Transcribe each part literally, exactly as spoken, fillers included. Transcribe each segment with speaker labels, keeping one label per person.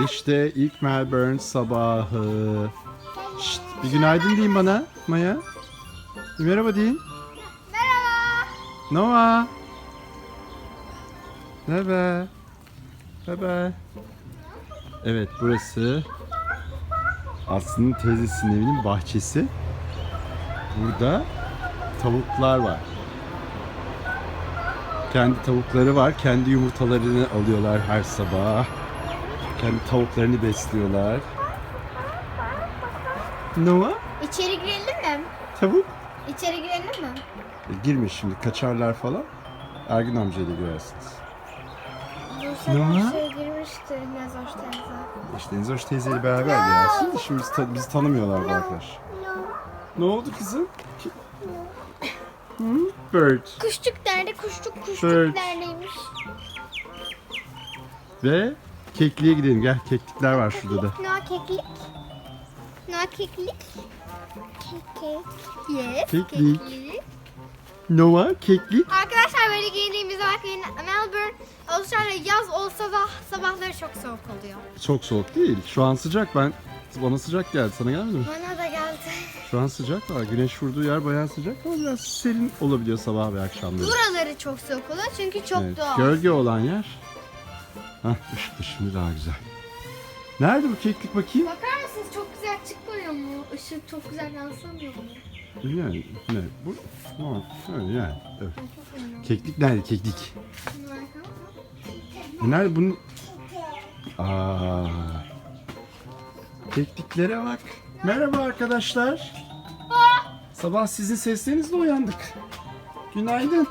Speaker 1: işte ilk Melbourne sabahı. Şşt, bir günaydın deyin bana Maya. Bir merhaba deyin.
Speaker 2: Merhaba.
Speaker 1: Noah. Merhaba. Merhaba. Evet, burası Aslı'nın teyzesinin evinin bahçesi. Burada tavuklar var. Kendi tavukları var. Kendi yumurtalarını alıyorlar her sabah. Kendi tavuklarını besliyorlar. Noah?
Speaker 2: İçeri girelim mi?
Speaker 1: Tavuk?
Speaker 2: İçeri girelim mi?
Speaker 1: E, girme şimdi. Kaçarlar falan. Ergün amcayla girersiniz.
Speaker 2: Bu
Speaker 1: Ne var?
Speaker 2: sefer şey girmişti Nezoş teyze.
Speaker 1: İşte Enzoş teyzeyle beraber gelsin. Şimdi bizi, ta- bizi tanımıyorlar bu arkadaş. Ne oldu kızım? Ki- Hı? Bird.
Speaker 2: Kuşçuk nerede? Kuşçuk kuşçuk
Speaker 1: Evet.
Speaker 2: neredeymiş?
Speaker 1: Ve kekliğe gidelim. Gel, keklikler var şurada da.
Speaker 2: No keklik. No keklik. Keklik. Yes.
Speaker 1: Keklik. Noah, keklik.
Speaker 2: Arkadaşlar böyle giyindiğimiz bakmayın. Melbourne, Avustralya yaz olsa da sabahları çok soğuk oluyor.
Speaker 1: Çok soğuk değil. Şu an sıcak. Ben bana sıcak geldi. Sana gelmedi mi?
Speaker 2: Bana da geldi.
Speaker 1: Şu an sıcak var. Güneş vurduğu yer bayağı sıcak ama biraz serin olabiliyor sabah ve akşamları.
Speaker 2: Buraları çok soğuk oluyor çünkü çok
Speaker 1: Evet,
Speaker 2: doğal.
Speaker 1: gölge olan yer. Hah, ışık da şimdi daha güzel. Nerede bu keklik bakayım?
Speaker 2: Bakar mısınız çok güzel çıkmıyor mu? Işık çok güzel yansımıyor mu?
Speaker 1: Yani ne? Bu? Tamam. Öyle yani. Evet. Keklik nerede? Keklik. E nerede bunun? Aa. Kekliklere bak. Merhaba arkadaşlar. Sabah sizin seslerinizle uyandık. Günaydın.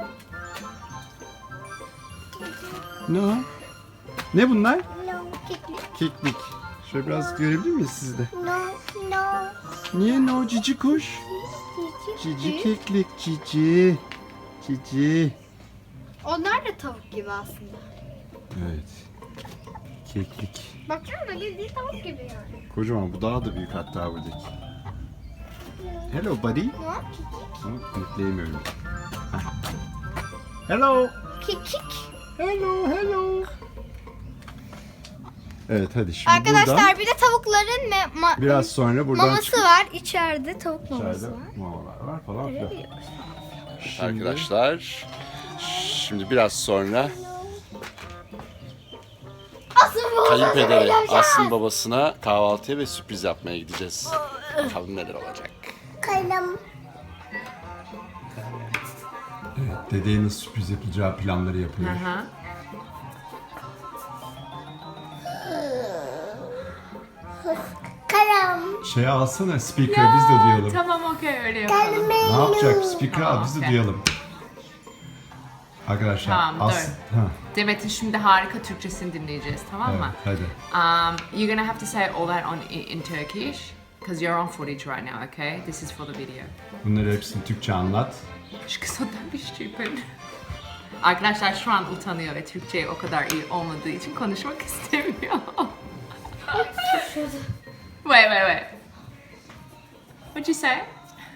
Speaker 1: Ne o? Ne bunlar?
Speaker 2: No keklik.
Speaker 1: Keklik. Şöyle biraz görebilir miyiz siz de?
Speaker 2: No no.
Speaker 1: Niye no cici kuş? Cici keklik cici. Cici.
Speaker 2: Onlar da tavuk gibi aslında.
Speaker 1: Evet. Keklik.
Speaker 2: Baksana bildiğin tavuk gibi yani.
Speaker 1: Kocaman, bu daha da büyük hatta buradaki. Hello buddy.
Speaker 2: No kekik.
Speaker 1: Ama yükleyemiyorum. Heh. Hello.
Speaker 2: Kekik.
Speaker 1: Hello, hello. Evet hadi şimdi
Speaker 2: Arkadaşlar
Speaker 1: buradan
Speaker 2: bir de tavukların me- ma-
Speaker 1: biraz sonra buradan
Speaker 2: maması
Speaker 1: çıkıp
Speaker 2: var. İçeride tavuk maması
Speaker 1: içeride
Speaker 2: var.
Speaker 1: mamalar var falan filan.
Speaker 2: Evet.
Speaker 1: Şimdi... Arkadaşlar şimdi biraz sonra
Speaker 2: Asıl bu
Speaker 1: kayınpederi Aslı'nın babasına kahvaltıya ve sürpriz yapmaya gideceğiz. Bakalım neler olacak.
Speaker 2: Kalem.
Speaker 1: Evet, dedeye nasıl sürpriz yapacağı planları yapıyor.
Speaker 3: Aha.
Speaker 2: Kalem.
Speaker 1: Şey alsana speaker biz de duyalım.
Speaker 3: Tamam okey öyle yapalım.
Speaker 1: Ne yapacak? Speaker al
Speaker 3: Tamam,
Speaker 1: biz de
Speaker 3: okey.
Speaker 1: duyalım. Arkadaşlar
Speaker 3: Tamam, dur.
Speaker 1: Aslı... Ha,
Speaker 3: Demet'in şimdi harika Türkçesini dinleyeceğiz, tamam
Speaker 1: evet,
Speaker 3: mı?
Speaker 1: hadi.
Speaker 3: Um, you're gonna have to say all that on in Turkish because you're on footage right now, okay? This is for the video.
Speaker 1: Bunları hepsini Türkçe anlat.
Speaker 3: Şu kısa bir stupid. Arkadaşlar şu an utanıyor ve Türkçe o kadar iyi olmadığı için konuşmak istemiyor. Wait, wait, wait. What'd you say?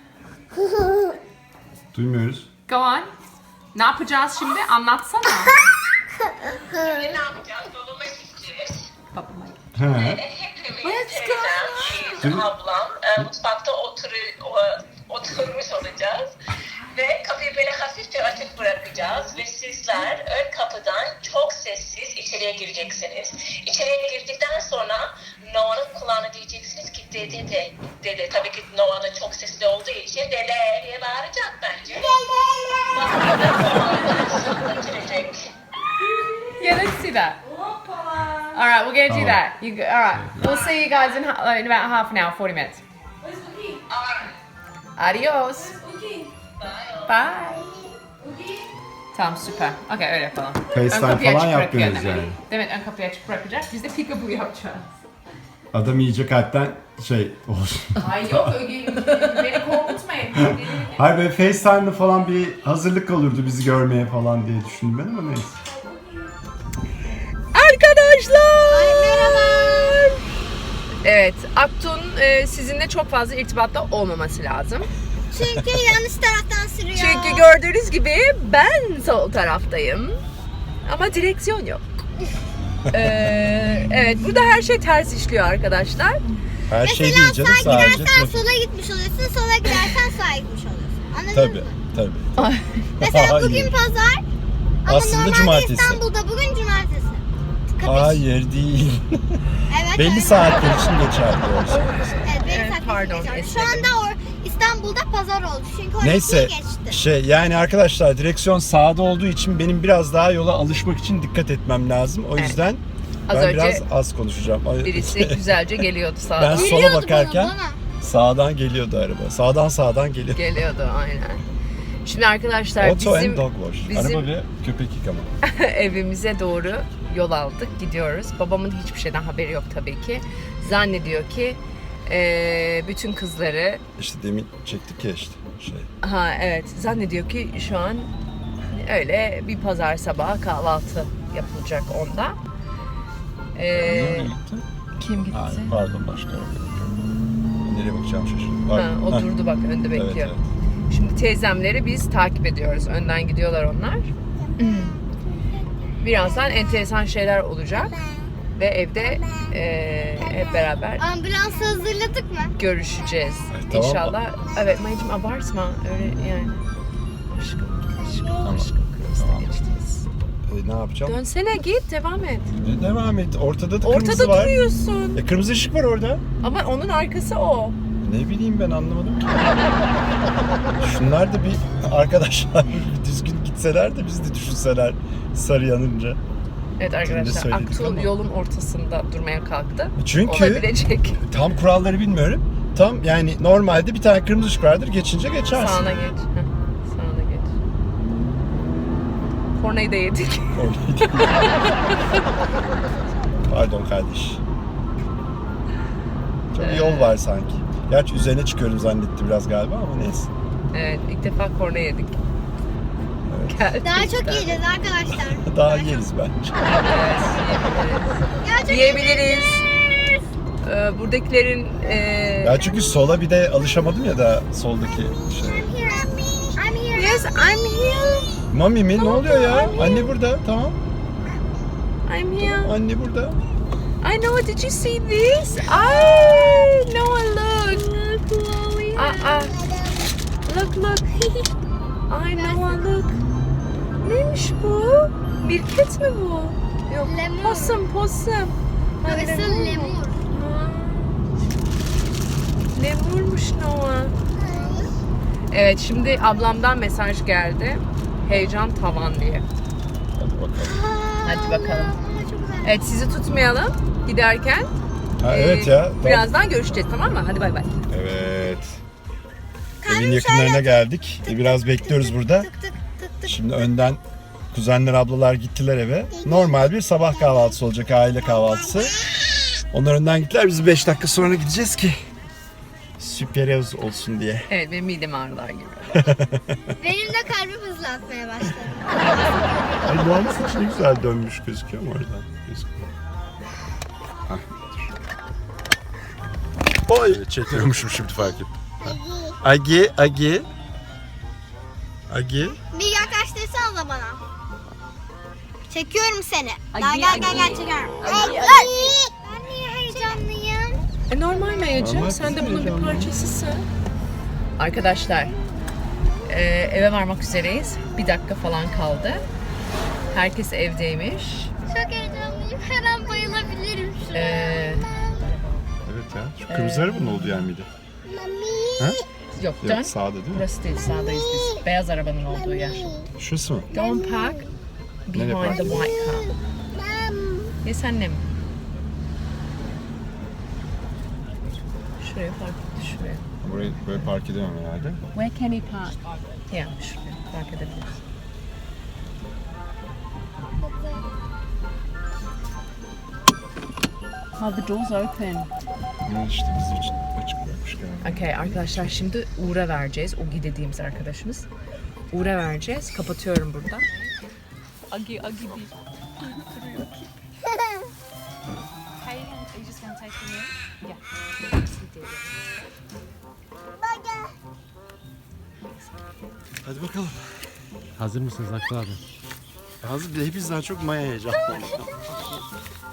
Speaker 1: Duymuyoruz.
Speaker 3: Go on. Ne yapacağız şimdi? Anlatsana.
Speaker 4: Ne yapacağız? Dolaba gideceğiz.
Speaker 3: Babama.
Speaker 1: He.
Speaker 4: Hepimiz teyzem, ablam e, mutfakta otur, o- oturmuş olacağız. Ve kapıyı böyle hafifçe açık bırakacağız. Ve sizler ön kapıdan çok sessiz içeriye gireceksiniz. İçeriye girdikten sonra Noah'nın kulağına diyeceksiniz ki dede de. Dede tabii ki Noah da çok sesli olduğu için dede diye bağıracak bence. Girecek.
Speaker 3: Yeah, let's do that. All right, we're gonna do
Speaker 1: Oh.
Speaker 3: that. You, go- all right, we'll see you guys in, ha- in about half an hour, forty minutes. Adios. Bye. Tamam süper. Okay öyle yapalım.
Speaker 1: FaceTime
Speaker 3: Ön kapıyı
Speaker 1: falan
Speaker 3: açık bırakıyor
Speaker 1: yapmıyoruz
Speaker 3: Demet.
Speaker 1: yani.
Speaker 3: Demet ön kapıyı açık bırakacak. Biz de peekaboo yapacağız.
Speaker 1: Adam iyice kalpten şey olsun.
Speaker 3: Ay yok beni korkutmayın.
Speaker 1: Hayır böyle FaceTime'da falan bir hazırlık olurdu bizi görmeye falan diye düşündüm ben ama neyse.
Speaker 3: Arkadaşlar. Merhaba. Evet, Aktun e, sizinle çok fazla irtibatta olmaması lazım.
Speaker 2: Çünkü yanlış taraftan sürüyor.
Speaker 3: Çünkü gördüğünüz gibi ben sol taraftayım. Ama direksiyon yok. Ee, evet, burada her şey ters işliyor arkadaşlar.
Speaker 1: Her şey
Speaker 2: Mesela
Speaker 1: değil canım,
Speaker 2: sağa
Speaker 1: sadece
Speaker 2: gidersen
Speaker 1: trafik.
Speaker 2: sola gitmiş oluyorsun, sola gidersen sağa gitmiş oluyorsun. Anladın
Speaker 1: Tabii,
Speaker 2: mı?
Speaker 1: tabii.
Speaker 2: Mesela bugün
Speaker 1: Hayır.
Speaker 2: pazar ama
Speaker 1: Aslında
Speaker 2: normalde
Speaker 1: cumartesi.
Speaker 2: İstanbul'da bugün cumartesi. Kapış.
Speaker 1: Hayır değil.
Speaker 2: Evet,
Speaker 1: Belli
Speaker 2: evet.
Speaker 1: saatler için geçerli o şey.
Speaker 2: Evet, benim
Speaker 3: Evet,
Speaker 2: saçma
Speaker 3: pardon,
Speaker 2: geçiyor. Şu
Speaker 3: esnedim.
Speaker 2: anda or- İstanbul'da pazar oldu. Çünkü on
Speaker 1: Neyse
Speaker 2: ikiyi geçti.
Speaker 1: şey yani arkadaşlar direksiyon sağda olduğu için benim biraz daha yola alışmak için dikkat etmem lazım. O
Speaker 3: Evet.
Speaker 1: yüzden
Speaker 3: Az
Speaker 1: ben
Speaker 3: önce
Speaker 1: biraz az konuşacağım. Ay-
Speaker 3: birisi güzelce geliyordu
Speaker 1: Ben
Speaker 3: sağdan.
Speaker 1: sola
Speaker 2: Geliyordu
Speaker 1: bakarken
Speaker 2: bana, bana.
Speaker 1: sağdan geliyordu araba. Sağdan sağdan geliyor.
Speaker 3: Geliyordu aynen. Şimdi arkadaşlar
Speaker 1: Auto
Speaker 3: bizim
Speaker 1: and dog wash.
Speaker 3: bizim-
Speaker 1: Araba ve köpek yıkama.
Speaker 3: evimize doğru yol aldık, gidiyoruz. Babamın hiçbir şeyden haberi yok tabii ki. Zannediyor ki eee, bütün kızları,
Speaker 1: İşte demin çektik ya işte şey.
Speaker 3: ha evet, zannediyor ki şu an öyle bir pazar sabahı kahvaltı yapılacak onda. Eee,
Speaker 1: Nereye gitti?
Speaker 3: kim gitti?
Speaker 1: Ha, pardon başka araba. Nereye bakacağım şaşırdım.
Speaker 3: Ha,
Speaker 1: Pardon.
Speaker 3: o
Speaker 1: Ha,
Speaker 3: durdu bak, önde
Speaker 1: Evet,
Speaker 3: bekliyor.
Speaker 1: evet.
Speaker 3: Şimdi teyzemleri biz takip ediyoruz. Önden gidiyorlar onlar. Birazdan enteresan şeyler olacak. Ve evde eee, hep beraber
Speaker 2: Ambulansı hazırladık mı?
Speaker 3: görüşeceğiz.
Speaker 1: Ay, tamam.
Speaker 3: İnşallah. Evet Mayıcım, abartma. Öyle yani. Aşkım, aşkım,
Speaker 1: Tamam.
Speaker 3: aşkım. Kırmızıda
Speaker 1: Tamam.
Speaker 3: geçtiniz.
Speaker 1: E, ne yapacağım?
Speaker 3: Dönsene, git, devam et.
Speaker 1: E, devam et. Ortada da kırmızı
Speaker 3: Ortada
Speaker 1: var.
Speaker 3: duruyorsun.
Speaker 1: E, kırmızı ışık var orada.
Speaker 3: Ama onun arkası o.
Speaker 1: Ne bileyim ben anlamadım ki. Şunlar da bir arkadaşlar bir düzgün gitseler de biz de düşünseler sarı yanınca.
Speaker 3: Evet arkadaşlar,
Speaker 1: söyledik
Speaker 3: Aktuğ
Speaker 1: ama.
Speaker 3: yolun ortasında durmaya kalktı.
Speaker 1: Çünkü
Speaker 3: Olabilecek.
Speaker 1: tam kuralları bilmiyorum. Tam yani normalde bir tane kırmızı ışık vardır. Geçince geçersin.
Speaker 3: Sağına geç. Heh, sağına geç. Kornayı da yedik.
Speaker 1: Oradaydı. Pardon kardeş. Çok bir yol var sanki. Gerçi üzerine çıkıyorum zannetti biraz galiba ama neyse.
Speaker 3: Evet, ilk defa korna yedik.
Speaker 1: Evet.
Speaker 3: Geldik
Speaker 2: Daha çok
Speaker 3: işte.
Speaker 2: yiyeceğiz arkadaşlar.
Speaker 1: Daha yeriz bence.
Speaker 3: Evet,
Speaker 2: Ya çok
Speaker 3: yiyebiliriz. Ee, buradakilerin e,
Speaker 1: Ya çünkü sola bir de alışamadım ya da soldaki şey.
Speaker 2: I'm here.
Speaker 3: yes, I'm here.
Speaker 1: Mami mi? Ne oluyor ya? Anne burada. Tamam.
Speaker 3: I'm here.
Speaker 1: Anne burada.
Speaker 3: I know. Did you see this? I Noah, look. Ah ah. Look look. Ay Noah, look. Neymiş bu? Bir ket mi bu? Yok.
Speaker 2: Lemur.
Speaker 3: Possum, possum. Ha,
Speaker 2: Burası
Speaker 3: lemur mu?
Speaker 2: lemur.
Speaker 3: Ha. Lemurmuş Noah. Evet, şimdi ablamdan mesaj geldi. Heyecan tavan diye.
Speaker 1: Hadi bakalım.
Speaker 3: Hadi bakalım.
Speaker 2: Aa, çok güzel.
Speaker 3: Evet, sizi tutmayalım giderken.
Speaker 1: Ha,
Speaker 3: Ee,
Speaker 1: evet ya. Tamam.
Speaker 3: Birazdan görüşeceğiz, tamam mı? Hadi bay bay.
Speaker 1: Evet. Evin yakınlarına geldik. E, Biraz bekliyoruz burada.
Speaker 2: Tık tık tık tık.
Speaker 1: Şimdi önden kuzenler, ablalar gittiler eve. Normal bir sabah kahvaltısı olacak, aile kahvaltısı. Onlar önden gittiler. Biz beş dakika sonra gideceğiz ki sürpriz olsun diye.
Speaker 3: Evet, benim midem ağrılar gibi.
Speaker 2: Benim de kalbim hızlı atmaya başladı.
Speaker 1: Ay Doğan'ın saçı ne güzel dönmüş gözüküyor mu oradan? Gözüküyor. Hah, dur. Oy! Çekiyormuşum şimdi fark ettim. Agi, Agi. Agi.
Speaker 2: Bir yaklaştırsana bana. Çekiyorum seni.
Speaker 3: Ay,
Speaker 2: Gel gel gel
Speaker 3: ay.
Speaker 2: gel çekiyorum.
Speaker 3: Ay,
Speaker 2: Ay,
Speaker 3: ay.
Speaker 2: ay. Ben niye heyecanlıyım?
Speaker 3: E, normal Mayacığım,
Speaker 1: Normal,
Speaker 3: sen de
Speaker 1: kızım,
Speaker 3: bunun bir
Speaker 1: heyecanlı.
Speaker 3: parçasısın. Arkadaşlar, e, eve varmak üzereyiz. Bir dakika falan kaldı. Herkes evdeymiş.
Speaker 2: Çok heyecanlıyım. Her an bayılabilirim şu an.
Speaker 3: E,
Speaker 1: Evet ya. Şu kırmızı arabanın olduğu yer miydi? Ha?
Speaker 3: yok, dön.
Speaker 1: Yok sağda değil mi?
Speaker 3: Burası değil, sağdayız biz. Beyaz arabanın olduğu yer.
Speaker 1: Şurası mı?
Speaker 3: Don't park
Speaker 1: Nereye
Speaker 3: behind
Speaker 1: park?
Speaker 3: the white car. Yes annem. Şuraya park etti, şuraya.
Speaker 1: Burayı böyle park edemem herhalde.
Speaker 3: Where can he park? Ya, şuraya park edebiliriz. Oh, the door's open.
Speaker 1: Ama işte bizim için açık bırakmış galiba.
Speaker 3: Okay, arkadaşlar şimdi Uğur'a vereceğiz. Ogi dediğimiz arkadaşımız. Uğur'a vereceğiz. Kapatıyorum burada. Agi, Agi değil.
Speaker 1: Hadi bakalım.
Speaker 5: Hazır mısınız Aklı abi?
Speaker 1: Hazır hepimiz daha çok Maya heyecanlı.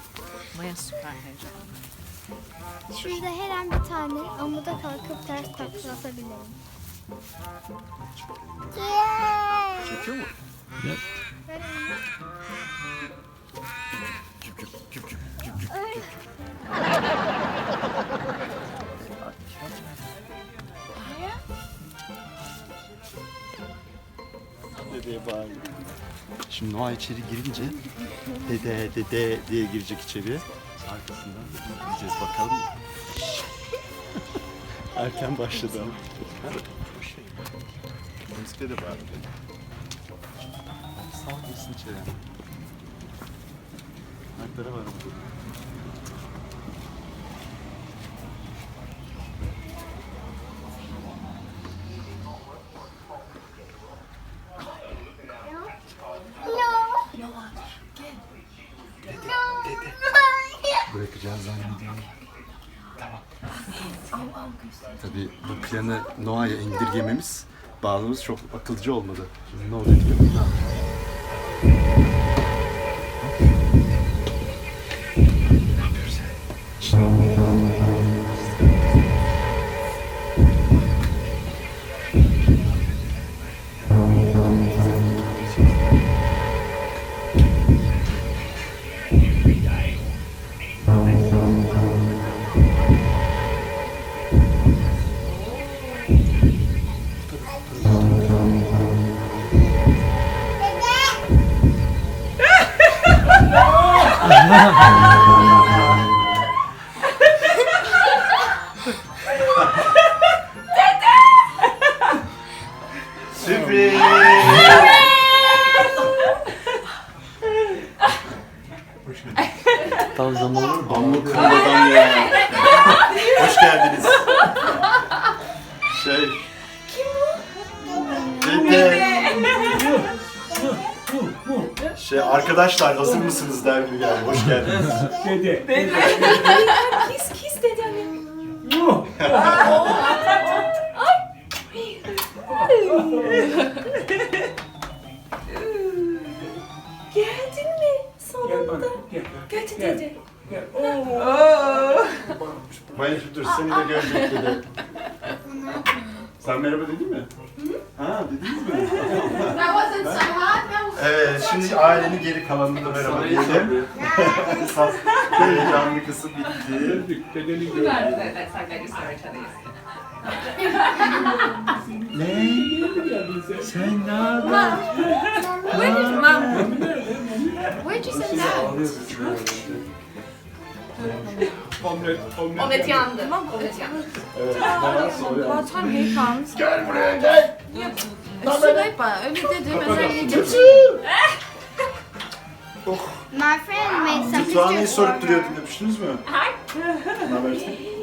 Speaker 3: Maya süper heyecanlı.
Speaker 2: Şurada her an bir tane amuda kalkıp ters takla atabilirim.
Speaker 1: Çekiyor mu? Evet. Dedeye bağırıyor. Şimdi Noah içeri girince dede dede diye girecek içeriye. Arkasından gideceğiz bakalım. Erken başladı ama. Müzikte de bağırıyor. Sağ girsin içeri. Ayakları var burada. Bırakacağız zannediyorum. Tamam. Tabii bu planı Noah'ya indirgememiz, bağlamamız çok akılcı olmadı. Şimdi ne oluyor diyor. Sürpriz! Tam zamanı bambu kırmadan ya. Hoş geldiniz. Şey... Kim o? Dede. Şey arkadaşlar hazır mısınız der gibi geldi. Hoş geldiniz.
Speaker 5: Dede.
Speaker 3: Kiss kiss dedi anne. Geldin mi?
Speaker 5: Gel bana.
Speaker 3: Sonunda.
Speaker 5: Gel.
Speaker 3: Geldi
Speaker 5: Gel.
Speaker 3: dedi.
Speaker 5: Gel.
Speaker 1: Mayacım dur seni de görecek dedi. Sen merhaba dedin mi? Ha dediniz mi? Evet şimdi ailenin geri kalanını da merhaba diyelim. Esas heyecanlı kısım bitti.
Speaker 5: Gördük. Dedeni gördük.
Speaker 3: That's like I just saw each other
Speaker 1: Ne?
Speaker 5: Geldin sen.
Speaker 1: Sen ne haber?
Speaker 3: Where did mom?
Speaker 2: Where'd you send that?
Speaker 5: Omlet. Omlet.
Speaker 3: Omlet yandı. Mom omlet yandı.
Speaker 1: Evet, bana soruyor.
Speaker 6: By the time he comes,
Speaker 1: Gel buraya gel.
Speaker 6: it's too late, but öyle dedim. Mesela yiyecek.
Speaker 2: My friend made some
Speaker 1: Tuğan'ı
Speaker 2: pictures for
Speaker 1: sorup
Speaker 2: her.
Speaker 1: duruyordun öpüştünüz mü? Ne haber?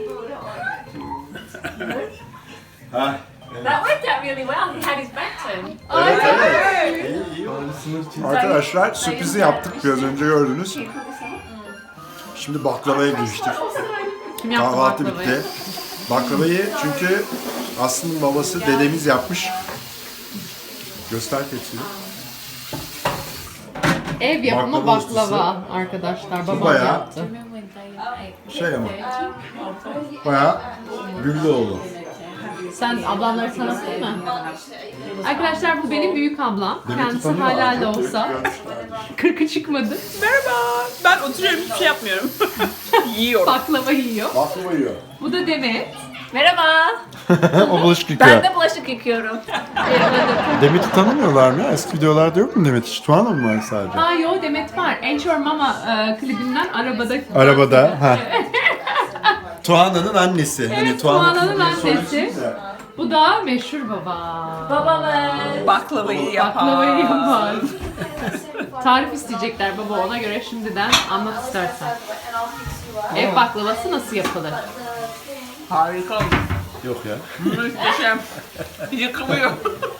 Speaker 1: Ha.
Speaker 4: That worked out really well. He had his back turned.
Speaker 1: Evet evet. İyi iyi oldu. Arkadaşlar sürprizi yaptık biraz önce gördünüz. Şimdi baklavaya giriştik.
Speaker 3: Kim yaptı
Speaker 1: Kahvaltı
Speaker 3: baklavayı?
Speaker 1: bitti. Baklavayı çünkü Aslı'nın babası dedemiz yapmış. Göster tepsiyi.
Speaker 3: Ev yapımı
Speaker 1: Baklava
Speaker 3: baklava arkadaşlar. Babam
Speaker 1: bayağı-
Speaker 3: yaptı.
Speaker 1: Şey ama. Bayağı Güllüoğlu.
Speaker 3: Sen ablamları tanıttın mı? Arkadaşlar bu benim büyük ablam.
Speaker 1: Demet'i
Speaker 3: Kendisi
Speaker 1: tanıyor,
Speaker 3: hala
Speaker 1: arkada
Speaker 3: da olsa.
Speaker 1: görmüşler.
Speaker 3: Kırkı çıkmadı.
Speaker 6: Merhaba. Ben oturuyorum, hiçbir şey yapmıyorum. Yiyorum.
Speaker 3: Baklava yiyor.
Speaker 1: Baklava yiyor.
Speaker 3: Bu da Demet.
Speaker 4: Merhaba.
Speaker 1: O bulaşık
Speaker 4: Ben
Speaker 1: yıkıyor.
Speaker 4: de bulaşık yıkıyorum.
Speaker 1: Demet'i tanımıyorlar mı ya? Eski videolarda yok mu Demet? Hiç Tuğan'a mı var sadece?
Speaker 3: Ha yo Demet var. Enchor Mama e, klibinden arabada.
Speaker 1: Arabada. Ha. Tuğan'ın annesi. Hani
Speaker 3: Tuğan'ın
Speaker 1: diye
Speaker 3: annesi.
Speaker 1: soruyorsunuz ya.
Speaker 3: Bu da meşhur baba.
Speaker 4: Babamız.
Speaker 6: Baklavayı yapar.
Speaker 3: Baklavayı yapar. Tarif isteyecekler baba ona göre şimdiden anlat istersen. Ev baklavası nasıl yapılır?
Speaker 6: Harika.
Speaker 1: Yok ya.
Speaker 6: Muhteşem. Yıkılıyor.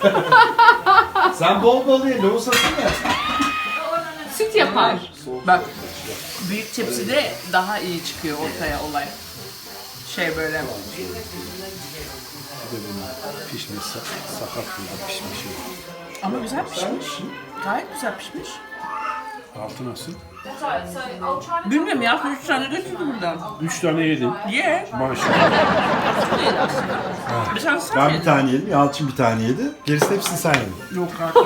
Speaker 1: Sen bol bol ye. Loğus atın ya.
Speaker 3: Süt yapar.
Speaker 6: Bak. Büyük tepside daha iyi çıkıyor ortaya olay. Şey böyle.
Speaker 1: Pişmiş. Sakat burada pişmiş.
Speaker 6: Ama güzel pişmiş. Gayet güzel pişmiş.
Speaker 5: Altı nasıl?
Speaker 6: Bilmiyorum ya, üç tane götürdüm buradan.
Speaker 5: Üç tane yedin.
Speaker 6: Ye.
Speaker 5: Maşallah.
Speaker 6: Bir tane sıra
Speaker 1: Ben bir
Speaker 6: yedim.
Speaker 1: tane yedim, Yalçın bir tane yedi. Gerisini hepsini sen yedin.
Speaker 6: Yok artık.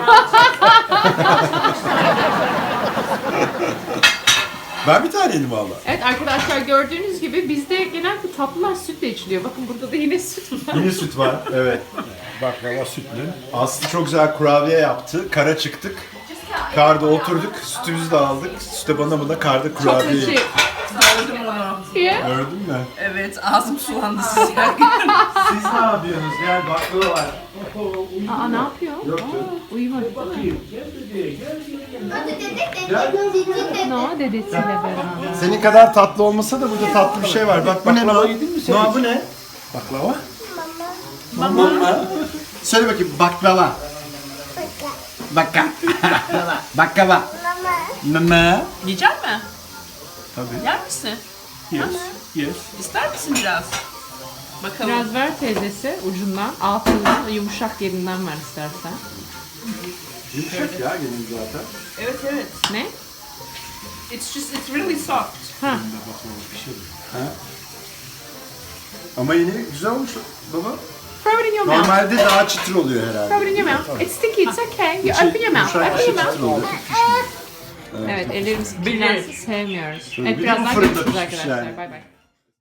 Speaker 1: Ben bir tane yedim valla.
Speaker 3: Evet arkadaşlar gördüğünüz gibi bizde genelde tatlılar sütle içiliyor. Bakın burada da yine süt var.
Speaker 1: Yine süt var, evet.
Speaker 5: Baklava sütlü.
Speaker 1: Aslı çok güzel kurabiye yaptı. Kara çıktık. Karda oturduk, sütümüzü de aldık. Süte bana bana karda kurabiye
Speaker 3: Chocolate
Speaker 1: yedik.
Speaker 6: Gördüm onu.
Speaker 3: Yeah.
Speaker 1: Gördün mü?
Speaker 6: Evet, ağzım sulandı siz yerken.
Speaker 1: Siz ne yapıyorsunuz? Gel baklava var.
Speaker 3: Aa ne yapıyor?
Speaker 1: Yoktu.
Speaker 3: Aa, uyumadı değil mi?
Speaker 2: Hadi dedek de cicin
Speaker 3: No dedesiyle beraber.
Speaker 1: Senin kadar tatlı olmasa da burada tatlı bir şey var. Bak bu ne?
Speaker 5: Baklava
Speaker 1: Noah?
Speaker 5: yedin mi sen
Speaker 1: Noah
Speaker 5: hiç?
Speaker 1: bu ne?
Speaker 5: Baklava?
Speaker 1: Mama. Söyle bakayım baklava. Bakka. Baklava. Mama.
Speaker 6: Yiyecek mi?
Speaker 1: Tabii.
Speaker 6: Yer misin?
Speaker 5: Yes. Yes.
Speaker 6: İster misin biraz? Bakalım.
Speaker 3: Biraz ver teyzesi ucundan, altından, yumuşak yerinden ver istersen.
Speaker 1: Yumuşak ya gelin zaten.
Speaker 6: Evet evet.
Speaker 3: Ne?
Speaker 6: It's just, it's really soft.
Speaker 3: Ha.
Speaker 1: Ama yine güzel olmuş baba.
Speaker 3: Throw it in your mouth.
Speaker 1: Normalde daha çıtır oluyor herhalde.
Speaker 3: Throw it in your mouth. It's sticky, it's okay. You open your mouth.
Speaker 1: Yumuşak
Speaker 3: Open
Speaker 1: dışı
Speaker 3: your mouth.
Speaker 1: çıtır oluyor.
Speaker 3: Evet, ellerimiz kirlensin sevmiyoruz.
Speaker 1: Şöyle
Speaker 3: Evet,
Speaker 1: bir de bu
Speaker 3: birazdan
Speaker 1: fırında
Speaker 3: görüşürüz
Speaker 1: pişmiş
Speaker 3: arkadaşlar.
Speaker 1: yani.
Speaker 3: Bay bay.